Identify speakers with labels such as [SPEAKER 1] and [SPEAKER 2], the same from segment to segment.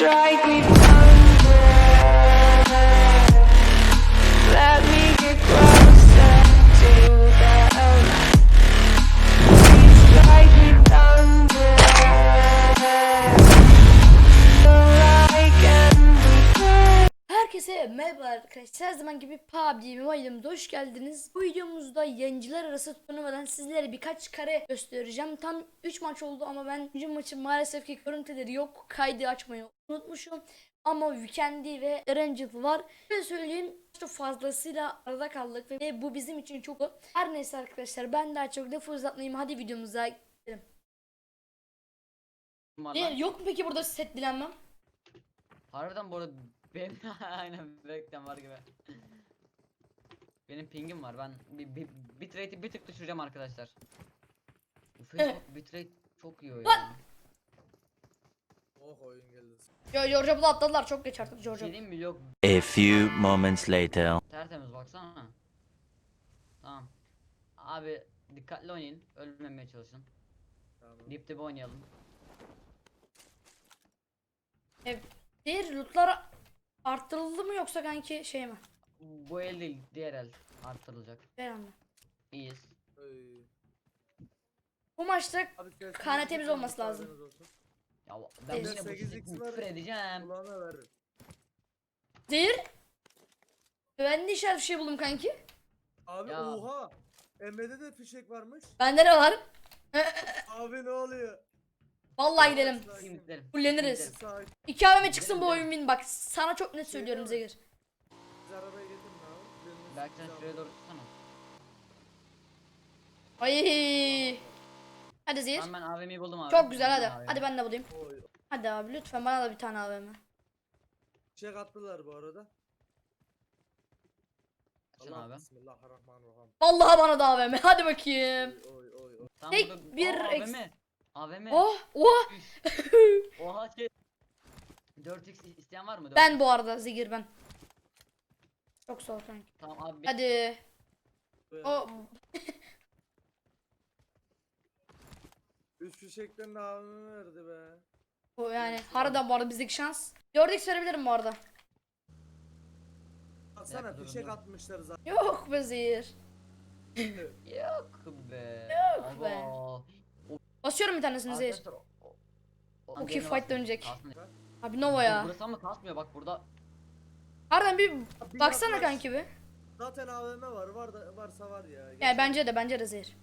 [SPEAKER 1] strike me thunder. Let me get closer to the light. Please strike me thunder. The light can be clear.
[SPEAKER 2] Herkese merhaba arkadaşlar. Her zaman gibi PUBG Mobile'ımıza hoş geldiniz. Bu videomuzda yayıncılar arası turnuvadan sizlere birkaç kare göstereceğim. Tam 3 maç oldu ama ben 3. maçın maalesef ki görüntüleri yok. Kaydı açmayı unutmuşum. Ama Weekend'i ve Erangel var. Şöyle söyleyeyim, çok fazlasıyla arada kaldık ve bu bizim için çok. Her neyse arkadaşlar, ben daha çok lafı uzatmayayım. Hadi videomuza gidelim. Yok mu peki burada set dilenmem?
[SPEAKER 3] Harbiden bu arada benim aynen bekten var gibi. Benim pingim var. Ben bitrate'i bir tık düşüreceğim arkadaşlar. Bu Facebook bitrate çok iyi oyun.
[SPEAKER 2] Lan!
[SPEAKER 4] Oh oyun geldi.
[SPEAKER 2] George'a bunu atladılar, çok geç artık George'a.
[SPEAKER 3] Dediğim mi yok.
[SPEAKER 5] A few moments later.
[SPEAKER 3] Tertemiz baksana. Tamam. Abi dikkatli oynayın. Ölmemeye çalışın.
[SPEAKER 4] Tamam.
[SPEAKER 3] Dip dibe oynayalım.
[SPEAKER 2] Diğer lootlar arttırıldı mı yoksa kanki şey mi?
[SPEAKER 3] Bu el değil, diğer el arttırılacak.
[SPEAKER 2] Şey anla.
[SPEAKER 3] İyiyiz.
[SPEAKER 4] Oy.
[SPEAKER 2] Bu maçta
[SPEAKER 4] Abi ses-
[SPEAKER 2] Kane temiz olması lazım.
[SPEAKER 4] haberiniz olsun.
[SPEAKER 3] Ya ben
[SPEAKER 2] Evet.
[SPEAKER 3] yine bu
[SPEAKER 4] 8x
[SPEAKER 3] şekilde
[SPEAKER 4] var.
[SPEAKER 3] küfür edeceğim.
[SPEAKER 4] Kulağına veririm.
[SPEAKER 2] Zehir. Ben de işaret bir şey buldum kanki.
[SPEAKER 4] Abi
[SPEAKER 3] Ya.
[SPEAKER 4] oha. Emre'de de fişek varmış.
[SPEAKER 2] Bende ne var?
[SPEAKER 4] Abi ne oluyor?
[SPEAKER 2] Vallahi gidelim.
[SPEAKER 3] Şimdi gidelim.
[SPEAKER 2] Fulleniriz.
[SPEAKER 3] Gidelim.
[SPEAKER 4] Sakin.
[SPEAKER 2] 2 AVM çıksın bu oyun win, bak sana çok net söylüyorum
[SPEAKER 4] Şey
[SPEAKER 2] Zehir.
[SPEAKER 4] Biz arabaya getirin abi. Biriniz
[SPEAKER 3] Belki sen
[SPEAKER 4] bizi
[SPEAKER 3] şuraya
[SPEAKER 4] alın.
[SPEAKER 3] doğru tutsana.
[SPEAKER 2] Ay. Hadi Zehir.
[SPEAKER 3] Tamam ben AVM'yi buldum abi.
[SPEAKER 2] Çok güzel, hadi.
[SPEAKER 3] AVM.
[SPEAKER 2] Hadi ben de bulayım.
[SPEAKER 4] Oy.
[SPEAKER 2] Hadi abi lütfen bana da bir tane AVM.
[SPEAKER 4] Fişek attılar bu arada.
[SPEAKER 3] Açın
[SPEAKER 4] Allah
[SPEAKER 3] abi.
[SPEAKER 4] bismillahirrahmanirrahim.
[SPEAKER 2] Vallahi bana da AVM. Hadi bakayım.
[SPEAKER 4] Oy.
[SPEAKER 3] Tam
[SPEAKER 2] Tek
[SPEAKER 3] burada-
[SPEAKER 2] bir
[SPEAKER 3] Aa,
[SPEAKER 2] eks-
[SPEAKER 3] AVM. AVM.
[SPEAKER 2] Oh, oh.
[SPEAKER 3] Oha şey. 4x isteyen var mı? 4x?
[SPEAKER 2] Ben bu arada Zehir ben. Çok zor kanki.
[SPEAKER 3] Tamam abi.
[SPEAKER 2] Hadi. O
[SPEAKER 4] 3 fişekten de abime verdi be.
[SPEAKER 2] o yani harbiden bu arada bizdeki şans. 4x verebilirim bu arada.
[SPEAKER 4] Baksana
[SPEAKER 3] dakika,
[SPEAKER 4] fişek
[SPEAKER 3] durun.
[SPEAKER 4] atmışlar zaten.
[SPEAKER 2] Yok be Zehir.
[SPEAKER 3] Yok be.
[SPEAKER 2] Yok be.
[SPEAKER 3] Allah.
[SPEAKER 2] Basıyorum bir tanesini Zehir.
[SPEAKER 3] Arkadaşlar,
[SPEAKER 2] Okey,
[SPEAKER 3] diğerine
[SPEAKER 2] fight
[SPEAKER 3] basın.
[SPEAKER 2] dönecek.
[SPEAKER 3] Aslında-
[SPEAKER 2] Abi Nova ya.
[SPEAKER 3] Burası ama kasmıyor bak burada.
[SPEAKER 2] Harbiden bir
[SPEAKER 4] Bir
[SPEAKER 2] baksana
[SPEAKER 4] yaklaş.
[SPEAKER 2] kanki bir.
[SPEAKER 4] Zaten AVM var. Varsa var ya.
[SPEAKER 2] Yani bence de Zehir.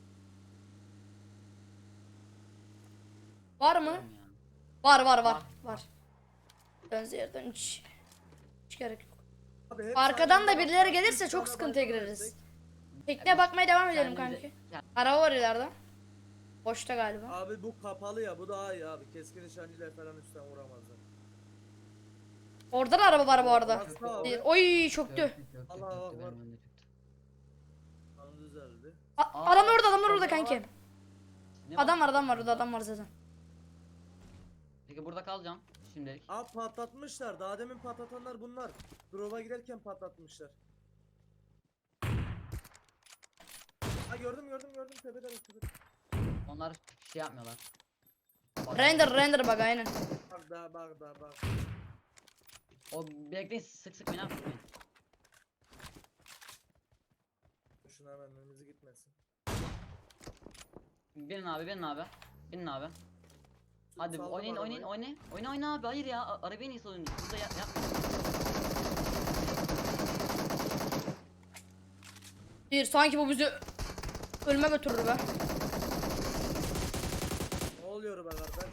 [SPEAKER 2] Var mı?
[SPEAKER 3] Bilmiyorum ya.
[SPEAKER 2] Var.
[SPEAKER 3] Var.
[SPEAKER 2] Var. Dön Zehir dön, hiç gerek yok.
[SPEAKER 4] Abi hep
[SPEAKER 2] Arkadan da
[SPEAKER 4] sahne
[SPEAKER 2] birileri
[SPEAKER 4] var.
[SPEAKER 2] gelirse
[SPEAKER 4] Üç
[SPEAKER 2] çok
[SPEAKER 4] tane
[SPEAKER 2] sıkıntıya
[SPEAKER 4] bayrak
[SPEAKER 2] gireriz.
[SPEAKER 4] versek.
[SPEAKER 2] Tekneye bakmaya devam edelim
[SPEAKER 3] Kendimize-
[SPEAKER 2] kanki.
[SPEAKER 3] Yani-
[SPEAKER 2] Araba var ileride. Boşta galiba.
[SPEAKER 4] Abi bu kapalı ya, bu daha iyi abi. Keskin nişancıyla falan üstten vuramazlar.
[SPEAKER 2] Orada da araba var bu arada.
[SPEAKER 4] Orası abi.
[SPEAKER 2] Zehir. Oy çöktü.
[SPEAKER 3] Çöktü,
[SPEAKER 4] Allah
[SPEAKER 3] çöktü,
[SPEAKER 4] Allah.
[SPEAKER 3] benim önümde çöktü.
[SPEAKER 4] Tam düzeldi.
[SPEAKER 2] Adamlar orada
[SPEAKER 4] Adam
[SPEAKER 2] kanki.
[SPEAKER 4] var.
[SPEAKER 3] Ne
[SPEAKER 2] Adam var orada, adam var zaten.
[SPEAKER 3] Peki burada kalacağım şimdilik.
[SPEAKER 4] Abi patlatmışlar. Daha demin patlatanlar bunlar. Drop'a girerken patlatmışlar. Ha gördüm tepede.
[SPEAKER 3] Onlar şey yapmıyorlar. Bak,
[SPEAKER 2] Render bak aynen.
[SPEAKER 4] Bak.
[SPEAKER 3] O bekleyin sık beni yapmayın.
[SPEAKER 4] Şuna hemen önümüzü gitmesin.
[SPEAKER 3] Binin abi. Binin abi. Hadi
[SPEAKER 4] Saldım
[SPEAKER 3] oynayın
[SPEAKER 4] arabayı.
[SPEAKER 3] oyna abi. Hayır ya arabayı niye salıyorsun? Burada yapmayın.
[SPEAKER 2] Bir sanki bu bizi ölüme götürür be.
[SPEAKER 4] Ne oluyor be kardeş?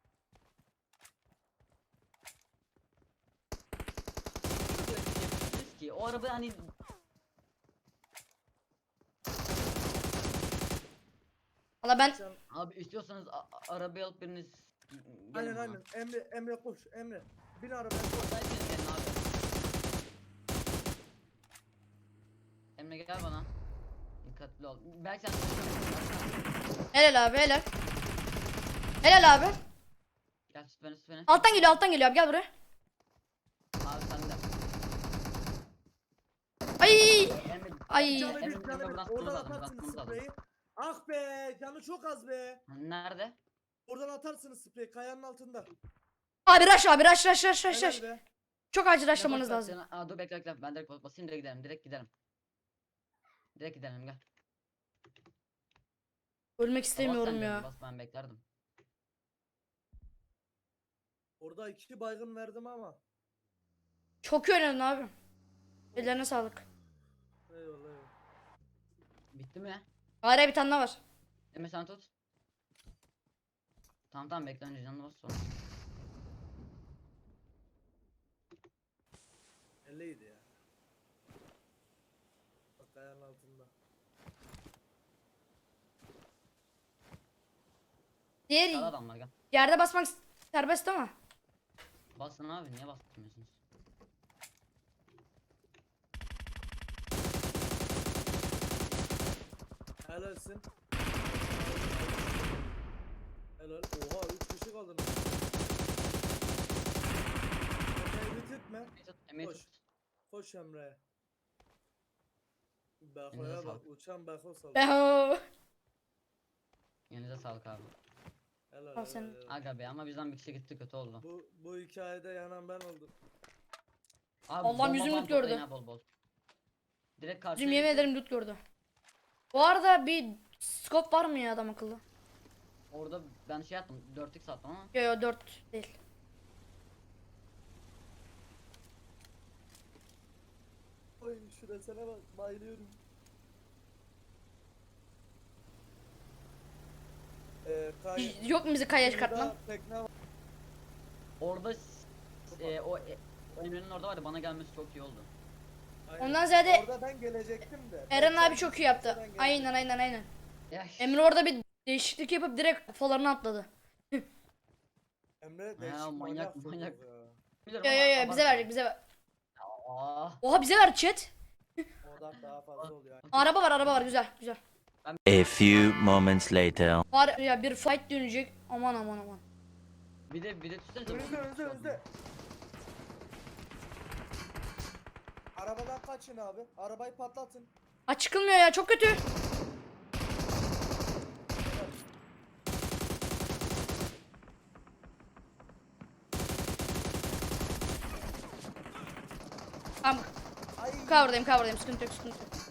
[SPEAKER 3] Ki o araba hani
[SPEAKER 2] Valla ben
[SPEAKER 4] Sen...
[SPEAKER 3] abi istiyorsanız arabayı alıp biriniz gelin bana.
[SPEAKER 4] Aynen. Emre koş. Emre. Bin arabaya koş.
[SPEAKER 3] Buradaysanız gelin abi. Emre gel bana. Dikkatli ol. Belki sen
[SPEAKER 2] helal abi, helal. Helal abi.
[SPEAKER 3] gel süt beni.
[SPEAKER 2] Alttan geliyor abi, gel buraya.
[SPEAKER 3] Abi sen de.
[SPEAKER 2] Ay.
[SPEAKER 3] Emre,
[SPEAKER 2] Ay.
[SPEAKER 4] Canı
[SPEAKER 3] Emre,
[SPEAKER 4] bir
[SPEAKER 3] Emre
[SPEAKER 4] canı bir.
[SPEAKER 3] buradan
[SPEAKER 4] Oradan
[SPEAKER 3] atmamız
[SPEAKER 4] atarsınız
[SPEAKER 3] lazım.
[SPEAKER 4] spreyi. Ah be. Canı çok az be.
[SPEAKER 3] Nerede?
[SPEAKER 4] Oradan atarsınız spreyi kayanın altında.
[SPEAKER 2] Abi rush.
[SPEAKER 4] Helal be.
[SPEAKER 2] Çok acil
[SPEAKER 3] Ya
[SPEAKER 2] rushlamanız
[SPEAKER 3] boş ver
[SPEAKER 2] lazım.
[SPEAKER 3] sen- Aa, dur bekle. Ben direkt basayım direkt gidelim. Direkt gidelim gel.
[SPEAKER 2] Ölmek
[SPEAKER 3] Bas
[SPEAKER 2] istemiyorum
[SPEAKER 3] sen direkt,
[SPEAKER 2] ya.
[SPEAKER 3] Bas ben beklerdim.
[SPEAKER 4] Orada 2 baygın verdim ama.
[SPEAKER 2] Çok iyi oynadın abi. Ellerine sağlık.
[SPEAKER 4] Eyvallah eyvallah.
[SPEAKER 3] Bitti mi?
[SPEAKER 2] Hala bir tane daha var.
[SPEAKER 3] Emre sen tut. Tamam bekle önce canını bas sonra.
[SPEAKER 4] Elliydi ya. Bak ayağın altında.
[SPEAKER 2] Diğer
[SPEAKER 3] Sağda adam var gel.
[SPEAKER 2] yerde basmak serbest ama.
[SPEAKER 3] Basın abi niye bastırmıyorsunuz?
[SPEAKER 4] Helalsin. Helal. Oha 3 kişi kaldınız. Emre'yi bitirtme.
[SPEAKER 3] Emre'yi tut. Emre'yi
[SPEAKER 4] Koş.
[SPEAKER 3] tut.
[SPEAKER 4] Koş Emre'ye.
[SPEAKER 3] Elinize
[SPEAKER 4] Beko'ya bak.
[SPEAKER 3] sağlık.
[SPEAKER 4] Uçan Beko saldı.
[SPEAKER 2] Beho.
[SPEAKER 3] Elinize sağlık abi.
[SPEAKER 4] Helal,
[SPEAKER 2] Al
[SPEAKER 4] helal,
[SPEAKER 2] sen.
[SPEAKER 4] helal.
[SPEAKER 3] Aga be ama bizden bir kişi gitti kötü oldu.
[SPEAKER 4] Bu hikayede yanan ben oldum.
[SPEAKER 3] Abi
[SPEAKER 2] Allah'ım
[SPEAKER 3] bomba
[SPEAKER 2] yüzümü
[SPEAKER 3] falan
[SPEAKER 2] gördü.
[SPEAKER 3] toplayın ha bol bol. Direkt karşıya
[SPEAKER 2] Bizim yemin
[SPEAKER 3] geçin.
[SPEAKER 2] ederim loot gördü. Bu arada bir scope var mı ya adam akıllı?
[SPEAKER 3] Orada ben şey attım 4x attım ama.
[SPEAKER 2] Yo 4 değil.
[SPEAKER 4] Oy şurasına bak. Bayılıyorum.
[SPEAKER 2] Yok mu bizi kayaya çıkartman?
[SPEAKER 4] Tekne var.
[SPEAKER 3] Orada o Emre'nin orada vardı bana gelmesi çok iyi oldu.
[SPEAKER 4] Aynen.
[SPEAKER 2] Ondan ziyade
[SPEAKER 4] Orada ben gelecektim de.
[SPEAKER 2] Eren
[SPEAKER 4] Ben
[SPEAKER 2] abi çok iyi yaptı.
[SPEAKER 4] ben geldim.
[SPEAKER 2] Aynen.
[SPEAKER 3] Ya
[SPEAKER 2] Emre orada bir değişiklik yapıp direkt kafalarına atladı.
[SPEAKER 4] Emre değişik
[SPEAKER 3] manyak.
[SPEAKER 4] çocuk ya.
[SPEAKER 3] biliyorum
[SPEAKER 2] Yo
[SPEAKER 3] ama
[SPEAKER 2] bize
[SPEAKER 3] abartma.
[SPEAKER 2] verecek bize ver.
[SPEAKER 3] Aa,
[SPEAKER 2] Oha bize ver chat.
[SPEAKER 4] Odak daha fazla oluyor.
[SPEAKER 2] Araba var güzel.
[SPEAKER 5] A few moments later.
[SPEAKER 2] Var ya bir fight dönecek. Aman.
[SPEAKER 3] bir de tutsana.
[SPEAKER 4] Önünüzde. Arabadan kaçın abi. Arabayı patlatın.
[SPEAKER 2] Ha çıkılmıyor ya çok kötü. Tamam
[SPEAKER 4] Ay.
[SPEAKER 2] cover'dayım sıkıntı yok.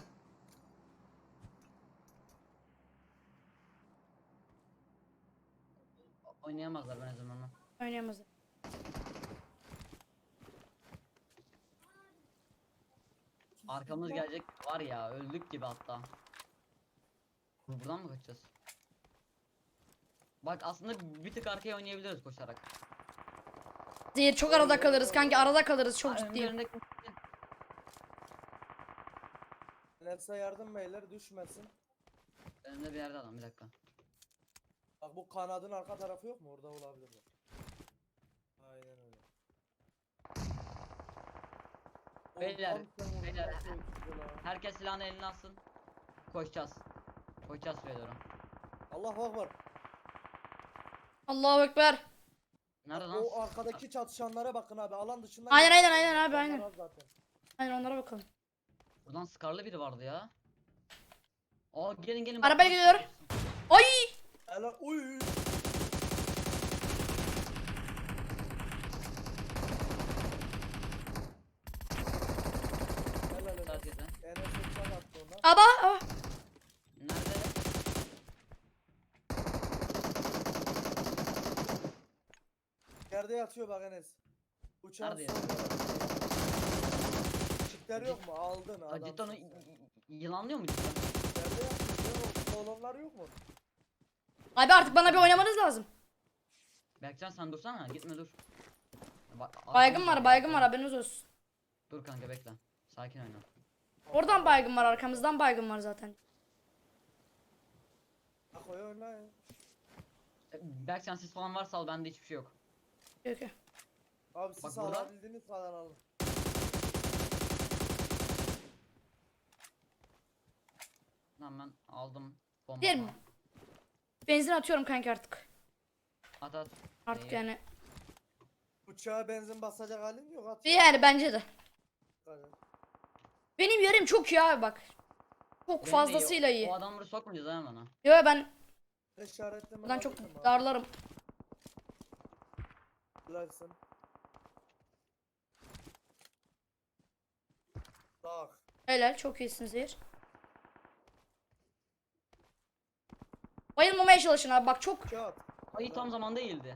[SPEAKER 3] Oynayamazlar ben o zaman.
[SPEAKER 2] Oynayamaz.
[SPEAKER 3] Arkamız gelecek var ya öldük gibi hatta. Buradan mı kaçacağız? Bak aslında bir tık arkaya oynayabiliriz koşarak.
[SPEAKER 2] Zehir çok arada kalırız kanki arada kalırız çok
[SPEAKER 3] Aa,
[SPEAKER 2] ciddiyim.
[SPEAKER 3] önlerindeki-
[SPEAKER 4] Nefse yardım beyler düşmesin.
[SPEAKER 3] Önümde bir yerde adam bir dakika.
[SPEAKER 4] Bak bu kanadın arka tarafı yok mu? Orada olabilir bak. Aynen öyle.
[SPEAKER 3] Beyler,
[SPEAKER 4] Oğlum, tam sen vurdun,
[SPEAKER 3] beyler.
[SPEAKER 4] nasıl öldürdü lan?
[SPEAKER 3] Herkes silahını eline alsın. Koşacağız. Söylüyorum.
[SPEAKER 4] Allahu Akbar.
[SPEAKER 2] Allahu ekber.
[SPEAKER 3] Nerede
[SPEAKER 4] Bak,
[SPEAKER 3] lan?
[SPEAKER 4] o arkadaki çatışanlara bakın abi. Alan dışından.
[SPEAKER 2] Aynen,
[SPEAKER 4] geliyor.
[SPEAKER 2] aynen abi,
[SPEAKER 4] Onlar
[SPEAKER 2] aynen.
[SPEAKER 4] az zaten.
[SPEAKER 2] Aynen onlara bakalım.
[SPEAKER 3] Buradan Scar'lı biri vardı ya. Aa gelin.
[SPEAKER 2] Araba geliyor. Ay!
[SPEAKER 4] Helal. Uy. Helal helal.
[SPEAKER 3] Saat yedi.
[SPEAKER 4] Enes uçak attı ona.
[SPEAKER 2] Aba!
[SPEAKER 3] Nerede?
[SPEAKER 4] Yerde yatıyor bak Enes. Uçağın
[SPEAKER 3] Nerede
[SPEAKER 4] solunda. Çiftler yok mu? Aldın adam.
[SPEAKER 3] Cidden onu yılanlıyor mu cidden?
[SPEAKER 4] Yerde yatıyor. Kolonlar yok mu?
[SPEAKER 2] Abi artık bana bir oynamanız lazım.
[SPEAKER 3] Berkcan sen dursana gitme dur.
[SPEAKER 2] Baygın var haberiniz olsun.
[SPEAKER 3] Dur kanka bekle. Sakin oyna.
[SPEAKER 2] Oradan baygın var arkamızdan baygın var zaten.
[SPEAKER 4] Bak o öyle ya.
[SPEAKER 3] Berkcan siz falan varsa al bende hiçbir şey yok.
[SPEAKER 2] Yok.
[SPEAKER 4] Abi siz
[SPEAKER 3] Bak burada.
[SPEAKER 4] alabildiğiniz kadar alın.
[SPEAKER 3] Lan ben aldım bomba
[SPEAKER 2] Diğer
[SPEAKER 3] falan.
[SPEAKER 2] benzin atıyorum kanki artık.
[SPEAKER 3] At.
[SPEAKER 2] Artık
[SPEAKER 3] İyi.
[SPEAKER 2] yani.
[SPEAKER 4] Uçağa benzin basacak halin yok at.
[SPEAKER 2] Yani bence de.
[SPEAKER 4] Hadi.
[SPEAKER 2] Benim yerim çok iyi abi bak. Çok
[SPEAKER 3] Benim de
[SPEAKER 2] fazlasıyla
[SPEAKER 3] O
[SPEAKER 2] iyi.
[SPEAKER 3] adamları sokmayacağız ha bana.
[SPEAKER 2] Yo ben
[SPEAKER 4] İşaretleme
[SPEAKER 2] buradan çok
[SPEAKER 4] lazım abi.
[SPEAKER 2] darlarım.
[SPEAKER 4] Helalsin. Tak.
[SPEAKER 2] Helal, çok iyisin Zehir. Bayılmamaya çalışın abi, bak çok
[SPEAKER 4] Çat.
[SPEAKER 3] Ay tam zamanda eğildi.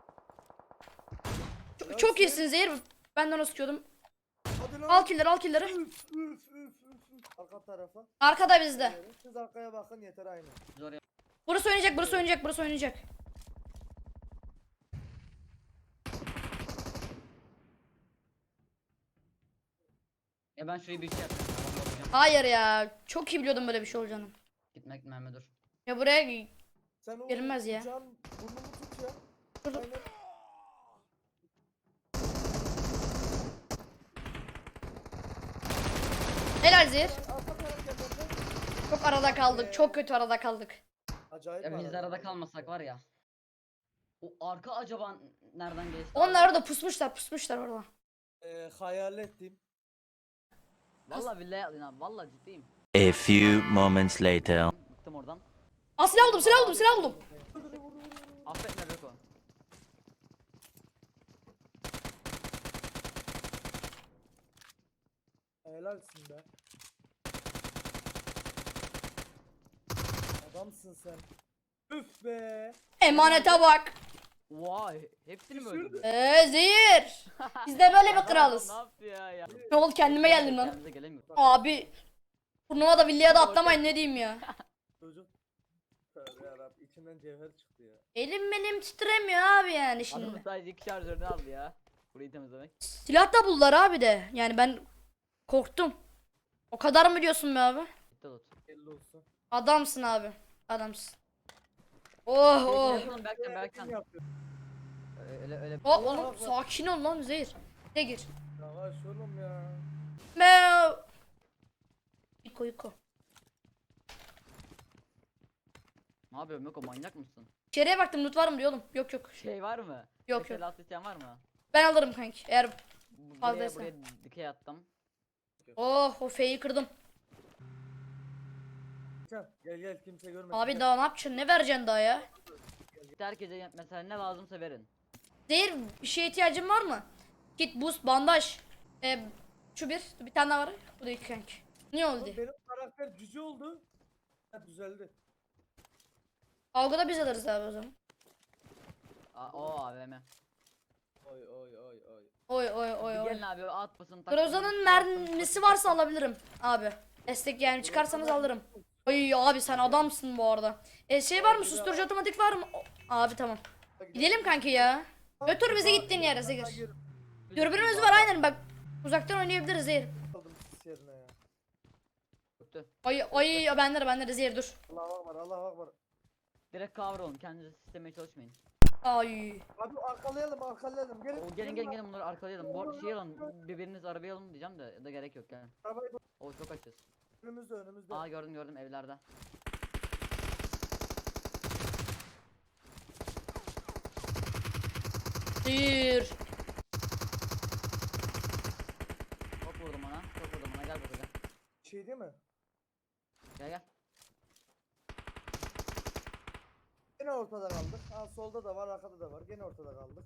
[SPEAKER 2] çok iyisin Zehir. Ben de onu sıkıyordum.
[SPEAKER 4] Hadi lan.
[SPEAKER 2] Al killleri, al killleri.
[SPEAKER 4] Üf. Arka tarafa.
[SPEAKER 2] Arkada bizde.
[SPEAKER 4] Evet, siz arkaya bakın yeter aynı.
[SPEAKER 3] Biz oraya
[SPEAKER 2] Burası oynayacak, burası oynayacak, burası oynayacak.
[SPEAKER 3] Ya ben şurayı bir şey yapacağım. Tamam, yapacağım.
[SPEAKER 2] Hayır ya. Çok iyi biliyordum böyle bir şey olacağını.
[SPEAKER 3] Gitmek Mehmet dur.
[SPEAKER 2] Ya buraya
[SPEAKER 4] Sen o
[SPEAKER 2] Gelmez ya.
[SPEAKER 4] can burnunu tut ya.
[SPEAKER 2] Dur.
[SPEAKER 4] Aynen.
[SPEAKER 2] helal Zehir.
[SPEAKER 4] Arka taraf gelmedi.
[SPEAKER 2] Çok arada kaldık. Çok kötü arada kaldık.
[SPEAKER 4] Acayip
[SPEAKER 3] Ya biz
[SPEAKER 4] arada.
[SPEAKER 3] arada kalmasak var ya. O arka acaba nereden geçti?
[SPEAKER 2] Onlar da pusmuşlar orada.
[SPEAKER 4] Hayal ettim.
[SPEAKER 3] Vallahi billahi yaptın abi. Vallahi ciddiyim.
[SPEAKER 5] A few moments later.
[SPEAKER 3] Bıktım oradan.
[SPEAKER 2] Aa, silah buldum, silah buldum, silah buldum.
[SPEAKER 3] Affetme Beko.
[SPEAKER 4] Helalsin be. Adamsın sen. Üf be.
[SPEAKER 2] Emanete bak.
[SPEAKER 3] Vay, hepsini mi öldürdü?
[SPEAKER 2] Zehir. Biz de böyle bir kralız.
[SPEAKER 3] Ne yaptı ya?
[SPEAKER 2] Ne oldu, kendime geldim lan.
[SPEAKER 3] Kendimize gelemiyoruz.
[SPEAKER 2] Abi. Turnuvada villaya da atlamayın, ne diyeyim ya.
[SPEAKER 4] Çocuk. Tövbe yarabbim içinden cevher çıktı ya.
[SPEAKER 2] Elim titremiyor abi yani
[SPEAKER 3] Adamın
[SPEAKER 2] şimdi.
[SPEAKER 3] sadece 2 şarjörünü aldı ya. Burayı temizlemek.
[SPEAKER 2] Silah da buldular abi de. Yani ben korktum. O kadar mı diyorsun be abi?
[SPEAKER 3] Bitti loot.
[SPEAKER 4] Belli olsun.
[SPEAKER 2] Adamsın abi. Adamsın. Oh oh.
[SPEAKER 3] Yapalım Berkcan Berkcan.
[SPEAKER 4] Yapıyor.
[SPEAKER 3] Öyle.
[SPEAKER 2] Oh oğlum sakin ol lan Zehir. De gir.
[SPEAKER 4] Yavaş oğlum ya.
[SPEAKER 2] Meow. Yiko.
[SPEAKER 3] Ne yapıyorum Beko, manyak mısın?
[SPEAKER 2] İçeriye baktım, loot var mı diyor oğlum. Yok.
[SPEAKER 3] Şey var mı?
[SPEAKER 2] Yok.
[SPEAKER 3] Mesela isteyen var mı?
[SPEAKER 2] Ben alırım kanki. Eğer
[SPEAKER 3] Buraya,
[SPEAKER 2] Fazlaysa.
[SPEAKER 3] buraya dikey attım.
[SPEAKER 2] o F'yi kırdım.
[SPEAKER 4] Gel kimse görmesin.
[SPEAKER 2] Abi daha ne yapacaksın? Ne vereceksin daha ya?
[SPEAKER 3] Herkese mesela ne lazımsa verin.
[SPEAKER 2] Zehir, bir şeye ihtiyacın var mı? Kit, boost, bandaj. Şu bir tane daha var. Bu da iki kanki. Ne oldu?
[SPEAKER 4] Oğlum benim karakter cüce oldu. Hep düzeldi.
[SPEAKER 2] Algıda biz alırız abi o zaman.
[SPEAKER 3] O AVM.
[SPEAKER 4] Oy.
[SPEAKER 2] Oy.
[SPEAKER 3] Gelin abi at basın.
[SPEAKER 2] Groza'nın mermisi varsa alabilirim abi. Destek yani çıkarsanız alırım. Oy abi sen adamsın bu arada. Şey var mı, susturucu otomatik var mı? Abi tamam. Gidelim kanki ya. Götür bizi gittiğin yere Zehir. Dürbünümüz var aynen, bak. Uzaktan oynayabiliriz Zehir.
[SPEAKER 4] Aldım sis yerine ya.
[SPEAKER 2] Ay benlere Zehir dur.
[SPEAKER 4] Allah akbar.
[SPEAKER 3] Direkt cover olun, kendinizi sistemeye çalışmayın.
[SPEAKER 2] Ay.
[SPEAKER 4] Abi arkalayalım.
[SPEAKER 3] Gelin bunları arkalayalım. Bu şey alın, birbiriniz arabaya alın diyeceğim de ya da gerek yok gelin.
[SPEAKER 4] Arabayı
[SPEAKER 3] O çok açız.
[SPEAKER 4] önümüzde.
[SPEAKER 3] Aa gördüm evlerde.
[SPEAKER 2] Zehir.
[SPEAKER 3] Çok vurdum ona gel buraya.
[SPEAKER 4] Şey değil mi?
[SPEAKER 3] Gel.
[SPEAKER 4] Gene ortada kaldık. Ha solda da var, arkada da var. Gene ortada kaldık.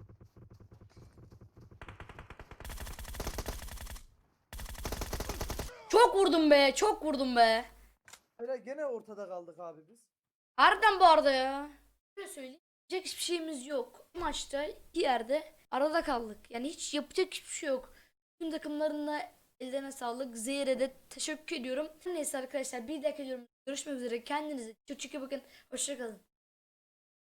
[SPEAKER 2] Çok vurdum be.
[SPEAKER 4] Öyle gene ortada kaldık abi biz.
[SPEAKER 2] Harbiden bu arada ya. Şöyle söyleyeyim. Yapacak hiçbir şeyimiz yok. Bu maçta bir yerde arada kaldık. Yani hiç yapacak hiçbir şey yok. Tüm takımlarına ellerine sağlık. Zehir'e de teşekkür ediyorum. Neyse arkadaşlar, bir dahaki videomda görüşmek üzere. Kendinize çok iyi bakın. Hoşçakalın.